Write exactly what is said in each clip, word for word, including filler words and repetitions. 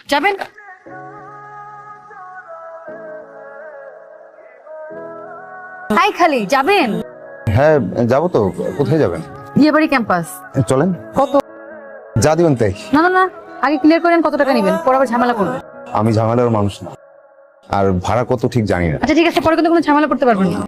যাবেন? হাই খালি যাবেন? হ্যাঁ যাবো তো। কোথায় যাবেন? বিয়েবাড়ি ক্যাম্পাস। চলেন। কত? যা দিবেন তাই। না না না, আগে ক্লিয়ার করেন কত টাকা নেবেন, পরে আবার ঝামেলা করবেন। আমি ঝামেলার মানুষ না, আর ভাড়া কত ঠিক জানি না। আচ্ছা ঠিক আছে, পরে কিন্তু কোনো ঝামেলা করতে পারবেন না।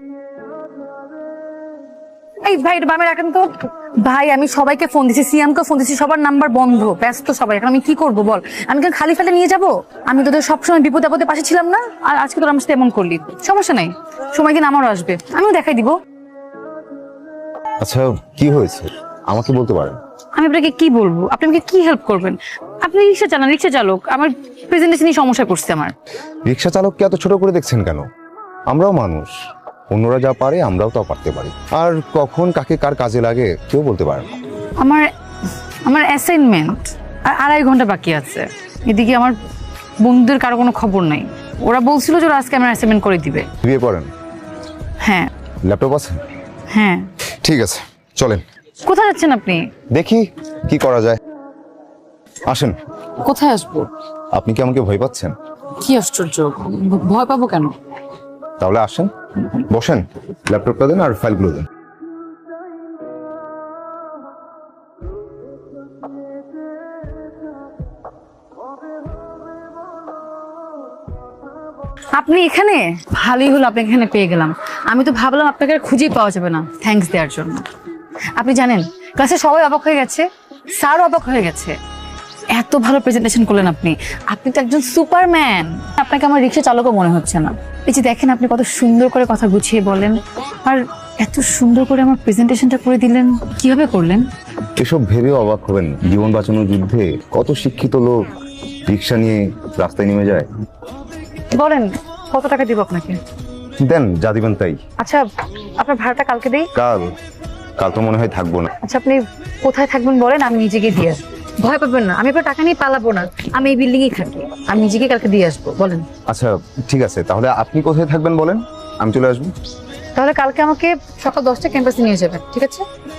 এই ভাই এটা বামে রাখেন তো। ভাই আমি সবাইকে ফোন দিছি, সিয়ামকে ফোন দিছি, সবার নাম্বার বন্ধ, ব্যস্ত সবাই। এখন আমি কি করব বল? আমি কেন খালি ফেলে নিয়ে যাব? আমি তোদের সবসময় বিপদে আপদে পাশে ছিলাম না, আর আজকে তোর আমার সাথে এমন করলি। সমস্যা নাই, সময় দিন আমারও আসবে, আমিও দেখাই দিব। আচ্ছা কি হয়েছে আমাকে বলতে পারেন? আমি আপনাকে কি বলবো? আপনি আমাকে কি হেল্প করবেন? আপনি রিক্সা চালান, রিক্সা চালক, আমার প্রেজেন্টেশনই সমস্যা করছে আমার। রিক্সা চালককে এত ছোট করে দেখছেন কেন? আমরাও মানুষ, অন্যরা যা পারে আমরাও তা পারতে পারি। আর কখন কাকে কার কাজে লাগে কেউ বলতে পারে না। আমার আমার অ্যাসাইনমেন্ট আর আড়াই ঘন্টা বাকি আছে। এদিকে আমার বন্ধুদের কারো কোনো খবর নাই। ওরা বলছিল যে ওরা আজকে আমার অ্যাসাইনমেন্ট করে দিবে। বিয়ে পড়েন? হ্যাঁ। ল্যাপটপ আছে? হ্যাঁ। ঠিক আছে চলেন। কোথায় যাচ্ছেন আপনি? দেখি কি করা যায়, আসেন। কোথায় আসবো? আপনি কি আমাকে ভয় পাচ্ছেন? কি আশ্চর্য, ভয় পাবো কেন? তাহলে আসেন, বসেন, ল্যাপটপটা দেন আর ফাইলগুলো দেন। আপনি এখানে? ভালোই হলো আপনি এখানে পেয়ে গেলাম। আমি তো ভাবলাম আপনাকে আর খুঁজেই পাওয়া যাবে না। থ্যাঙ্কস দেওয়ার জন্য। আপনি জানেন ক্লাসে সবাই অবাক হয়ে গেছে, স্যারও অবাক হয়ে গেছে। এত ভালো প্রেজেন্টেশন করলেন আপনি। আপনি তো একজন সুপারম্যান। আপনাকে আমার রিক্সা চালকও মনে হচ্ছে না। এই যে দেখেন আপনি কত সুন্দর করে কথা গুছিয়ে বলেন, আর এত সুন্দর করে আমার প্রেজেন্টেশনটা করে দিলেন। কিভাবে করলেন? এসব ভেবে অবাক হবেন, জীবন বাঁচানোর যুদ্ধে কত শিক্ষিত লোক রিক্সা নিয়ে রাস্তায় নেমে যায়। বলেন কত টাকা দিব আপনাকে? দেন যা দিবেন তাই। আচ্ছা আপনার ভাড়াটা কালকে দেই। কাল? কাল তো মনে হয় থাকবো না। আচ্ছা আপনি কোথায় থাকবেন বলেন, আমি নিজেকে দিয়ে আসবো। ভয় পাবেন না, আমি আপনার টাকা নিয়ে পালাবো না। আমি এই বিল্ডিং এ থাকি, আমি নিজেকে কালকে দিয়ে আসবো। বলেন। আচ্ছা ঠিক আছে, তাহলে আপনি কোথায় থাকবেন বলেন, আমি চলে আসবো। তাহলে কালকে আমাকে সকাল দশটা ক্যাম্পাসে নিয়ে যাবেন, ঠিক আছে?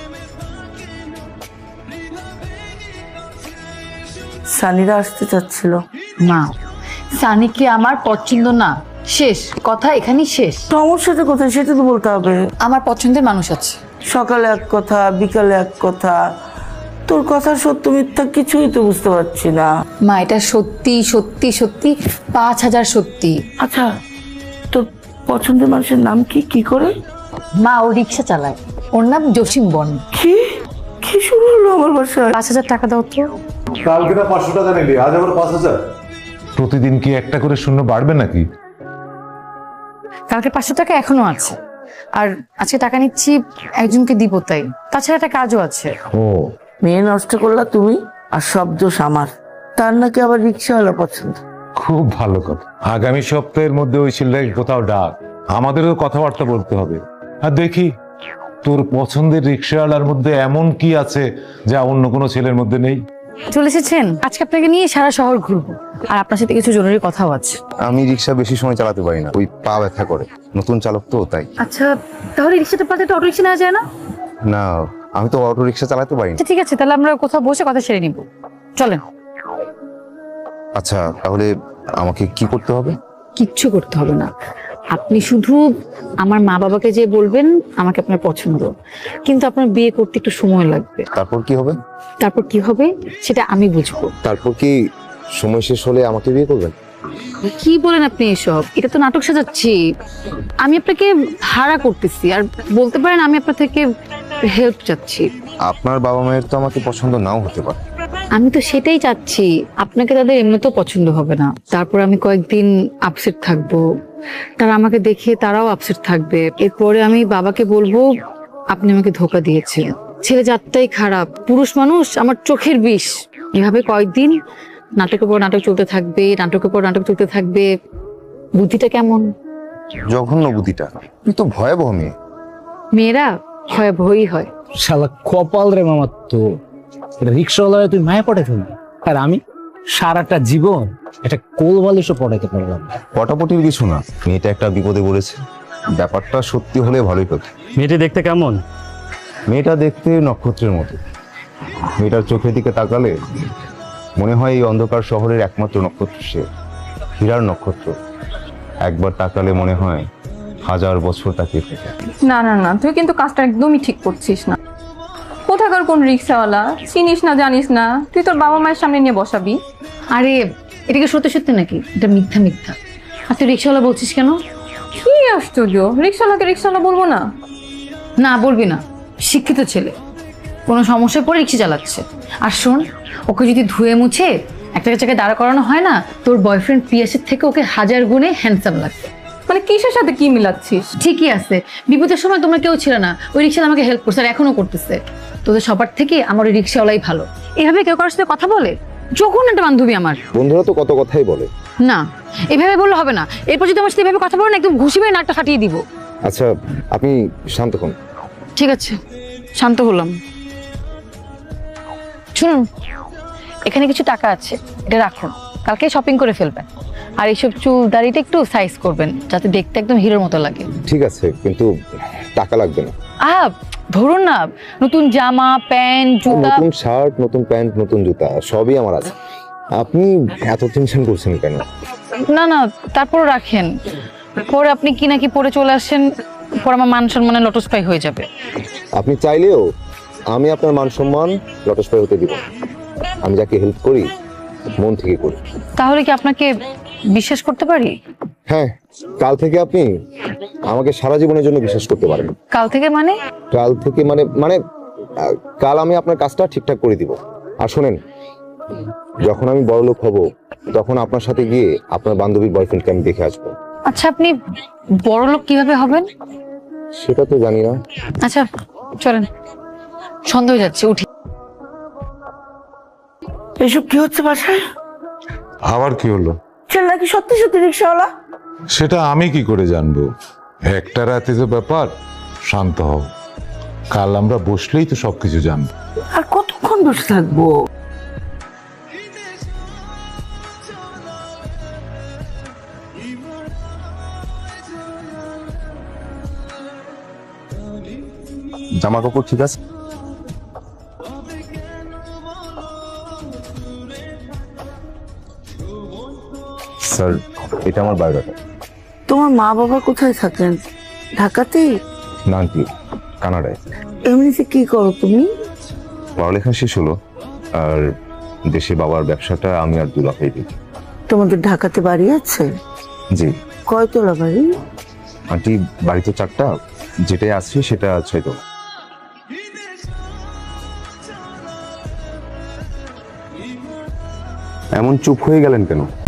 সানিরা আসতে চাচ্ছিল। না, সানিকে আমার পছন্দ না। শেষ কথা, এখানেই শেষ। সমস্যাটা কোথায় সেটা তো বলতে হবে। আমার পছন্দের মানুষ আছে। সকালে এক কথা, বিকালে এক কথা। তোর কথা সত্য মিথ্যা কিছুই তো বুঝতে পারছি না। মা এটা সত্যি সত্যি সত্যি, পাঁচ হাজার সত্যি। আচ্ছা তোর পছন্দের মানুষের নাম কি? কি করে? মা ও রিক্সা চালায়, ওর নাম জসিম বন। কি কি শুরু হলো আমার বাসায়? পাঁচ হাজার টাকা দাও তো। কালকে না পাঁচশো টাকা নিলি, আজ আবার পাঁচ হাজার। প্রতিদিন কি একটা করে শূন্য বাড়বে নাকি? কালকে পাঁচশো টাকা এখনো আছে, আর আজকে টাকা নিচ্ছি একজনকে দিব তাই। তাছাড়া একটা কাজও আছে। ও মেয়ে নষ্ট করলা তুমি, আর সব দোষ আমার। তার নাকি আবার রিক্সাওয়ালা পছন্দ। খুব ভালো কথা। আগামী সপ্তাহের মধ্যে ওই ছেলেটাকে কোথাও ডাক, আমাদেরও কথাবার্তা বলতে হবে। আর দেখি তোর পছন্দের রিক্সাওয়ালার মধ্যে এমন কি আছে যা অন্য কোনো ছেলের মধ্যে নেই। চলে এসেছেন, আজকে আপনাকে নিয়ে সারা শহর ঘুরবো, আর আপনার সাথে কিছু জরুরি কথাও আছে। আমি রিক্সা বেশি সময় চালাতে পারি না, ওই পা ব্যথা করে, নতুন চালক তো তাই। আচ্ছা তাহলে রিক্সাটা পাতে একটা অটো রিক্সা নেওয়া যায় না? না আমি তো অটো রিক্সা চালাতে পারি না। আচ্ছা ঠিক আছে, তাহলে আমরা কোথাও বসে কথা সেরে নিব, চলেন। আচ্ছা তাহলে আমাকে কি করতে হবে? কিচ্ছু করতে হবে না, আপনি শুধু আমার মা বাবাকে যে বলবেন আমাকে আপনার পছন্দ, কিন্তু আপনার বিয়ে করতে একটু সময় লাগবে। তারপর কি হবে? তারপর কি হবে সেটা আমি বুঝবো। তারপর কি সময় শেষ হলে আমাকে বিয়ে করবেন? কি বলেন আপনি এসব? এটা তো নাটক সাজাচ্ছি। আমি আপনাকে ভাড়া করতেছি, আর বলতে পারেন আমি আপনার থেকে হেল্প চাচ্ছি। আপনার বাবা মায়ের তো আমাকে পছন্দ নাও হতে পারে। আমি তো সেটাই চাচ্ছি, আপনাকে তাদের এমনিতেও পছন্দ হবে না। তারপর আমি কয়েকদিন আপসেট থাকবো, তারা আমাকে দেখে তারাও আপসেট থাকবে। এরপরে আমি বাবাকে বলবো আপনি আমাকে ধোকা দিয়েছেন, ছেলে জাতটাই খারাপ, পুরুষ মানুষ আমার চোখের বিষ। এভাবে কয়েকদিন নাটকের পর নাটক চলতে থাকবে, নাটকের পর নাটক চলতে থাকবে। বুদ্ধিটা কেমন? জঘন্য বুদ্ধিটা, তুই তো ভয়াবহ মেয়ে। মেয়েরা ভয়াবহই হয়। শালা কপাল রে মামার, তো এটা রিক্সাওয়ালা তুই মায়া পড়ে ফেলবি, আর আমি সারাটা জীবন এটা কোল বালিশও পড়াইতে পারলাম না। পটাপটির কিছু না, মেয়েটা একটা বিপদে পড়েছে। ব্যাপারটা সত্যি হলে ভালোই হতো। মেয়েটি দেখতে কেমন? মেয়েটা দেখতে নক্ষত্রের মতো। মেয়েটার চোখের দিকে তাকালে মনে হয় এই অন্ধকার শহরের একমাত্র নক্ষত্র সে, হীরার নক্ষত্র। একবার তাকালে মনে হয় হাজার বছর তাকিয়ে থাকে। না না না, তুই কিন্তু কাজটা একদমই ঠিক করছিস না। কোথাকার কোন রিক্সাওয়ালা, চিনিস না জানিস না, তুই তোর বাবা মায়ের সামনে নিয়ে বসাবি? আরে এটা কি সত্যি সত্যি নাকি? এটা মিথ্যা মিথ্যা। আর তুই রিক্সাওয়ালা বলছিস কেন? কি আশ্চর্য, রিক্সাওয়ালাকে রিক্সাওয়ালা বলবো না? না বলবি না, শিক্ষিত ছেলে, কোনো সমস্যায় পড়ে রিক্সা চালাচ্ছে। আর শোন, ওকে যদি ধুয়ে মুছে একটা জায়গায় দাঁড়া করানো হয় না, তোর বয়ফ্রেন্ড পিয়াসের থেকে ওকে হাজার গুণে হ্যান্ডসাম লাগবে। মানে কিসের সাথে কি মিলাচ্ছিস? ঠিকই আছে, বিপদের সময় তোমরা কেউ ছিল না, ওই রিক্সাওয়ালা আমাকে হেল্প করছে আর এখনো করতেছে। তোদের সবার থেকে আমার ওই রিক্সাওয়ালাই ভালো। এভাবে কেউ কারোর সাথে কথা বলে? যখন একটা বান্ধবী আমার। বন্ধুরা তো কত কথাই বলে। না, এভাবে বললে হবে না। এরপর যদি আমার সাথে এভাবে কথা বলো না, একদম ঘুষি মেরে নাকটা ফাটিয়ে দিব। আচ্ছা আপনি শান্ত হন। ঠিক আছে, শান্ত হলাম। শুনুন, এখানে কিছু টাকা আছে, এটা রাখুন, কালকে শপিং করে ফেলবেন। আর এইসব চুল দাড়িটা একটু সাইজ করবেন, যাতে দেখতে একদম হিরোর মতো লাগে। ঠিক আছে, কিন্তু টাকা লাগবে না। আহ ধরুন না, নতুন জামা প্যান্ট জুতা। নতুন শার্ট, নতুন প্যান্ট, নতুন জুতা সবই আমার আছে। আপনি এত টেনশন করছেন কেন? না না, তারপর রাখেন, পরে আপনি কি নাকি পরে চলে আসেন, পরে আমার মান সম্মানে লটস্পাই হয়ে যাবে। আপনি চাইলেও আমি আপনার মান সম্মান লটস্পাই হতে দিব না। আমি যাকে হেল্প করি মন থেকে করি। তাহলে কি আপনাকে বিশ্বাস করতে পারি? হ্যাঁ, কাল থেকে আপনি আমাকে সারা জীবনের জন্য বিশ্বাস করতে পারেন। কাল থেকে মানে? কাল থেকে মানে মানে আহ, কাল আমি আপনার কাজটা ঠিকঠাক করে দিব। আর শোনেন, যখন আমি বড়লোক হব তখন আপনার সাথে গিয়ে আপনার বান্ধবীর বয়ফ্রেন্ডকে আমি দেখে আসবো। আচ্ছা, আপনি বড় লোক কিভাবে হবেন? সেটা তো জানি না। আচ্ছা চলেন, সন্দেহ হয়ে যাচ্ছে, উঠি। এসব কি হচ্ছে বাসায়? আবার কি হলো? ছেলে নাকি সত্যি সত্যি রিক্সাওয়ালা? সেটা আমি কি করে জানবো? একটা রাতে যে ব্যাপার, শান্ত হও, কাল আমরা বসলেই তো সবকিছু জানবো। আর কতক্ষণ বসে থাকবো? জামা কাপড় ঠিক আছে? স্যার, এটা আমার বায়োডাটা। তোমার মা বাবা কোথায় থাকেন? ঢাকাতেই? না আন্টি, কানাডায়। এমনিতে কি করো তুমি? পড়ালেখা শেষ হলো, আর দেশে বাবার ব্যবসাটা আমি আর দুলাভাই দেখি। তোমাদের ঢাকাতে বাড়ি আছে? জি কয়তলা বাড়ি? আন্টি, বাড়িতে চারটা, যেটাই আছে সেটা ছয়তলা। এমন চুপ হয়ে গেলেন কেন?